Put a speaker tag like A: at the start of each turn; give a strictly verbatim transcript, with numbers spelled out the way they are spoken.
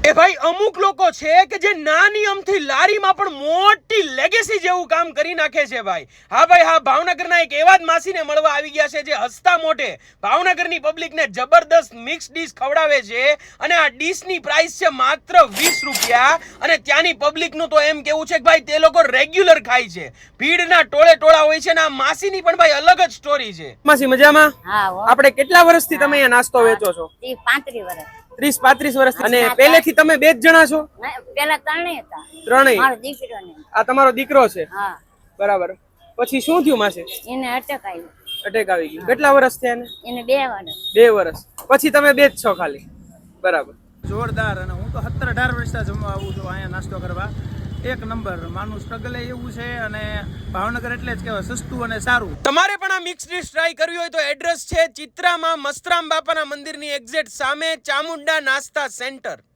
A: એ ભાઈ અમુક લોકો છે કે જે નાની અમથી લારીમાં પણ મોટી લેગેસી જેવું કામ કરી નાખે છે ભાઈ. હા ભાઈ હા, ભાવનગરના એક એવા જ માસીને મળવા આવી ગયા છે જે હસતા મોઢે ભાવનગરની પબ્લિકને જબરદસ્ત મિક્સ ડીશ ખવડાવે છે અને આ ડીશની પ્રાઇસ છે માત્ર વીસ રૂપિયા અને ત્યાંની પબ્લિકનું તો એમ કેવું છે કે ભાઈ તે લોકો રેગ્યુલર ખાય છે, ભીડના ટોળે ટોળા હોય છે અને આ માસીની પણ ભાઈ અલગ જ સ્ટોરી છે. માસી મજામાં?
B: હા હો.
A: આપણે કેટલા વર્ષથી તમે અહીંયા નાસ્તો વેચો છો?
B: ઈ પાંત્રીસ વર્ષ.
A: ત્રીસ પાંત્રીસ વર્ષ. અને પહેલેથી તમે બે જ જણા છો?
B: પેલા ત્રણેય હતા.
A: ત્રણેય?
B: મારો દીકરો ને.
A: આ તમારો દીકરો છે?
B: હા.
A: બરાબર. પછી શું થયું માસી?
B: એને અટક આવ્યું.
A: અટેક આવી ગયું. કેટલા વર્ષ થયા એને?
B: એને બે વર્ષ.
A: બે વર્ષ. પછી તમે બે જ છો ખાલી? બરાબર.
C: જોરદાર. અને હું તો સત્તર અઢાર વર્ષથી જમવા આવું છું અહીંયા નાસ્તો કરવા. એક નંબર. માનું સ્ટ્રગલ એવું છે અને ભાવનગર એટલે જ કહેવાય સસ્તું અને સારું.
A: તમારે પણ આ મિક્સ ડીશ ટ્રાય કરવી હોય તો એડ્રેસ છે ચિત્રામાં મસ્તરામ બાપાના મંદિરની એક્ઝેક્ટ સામે ચામુંડા નાસ્તા સેન્ટર.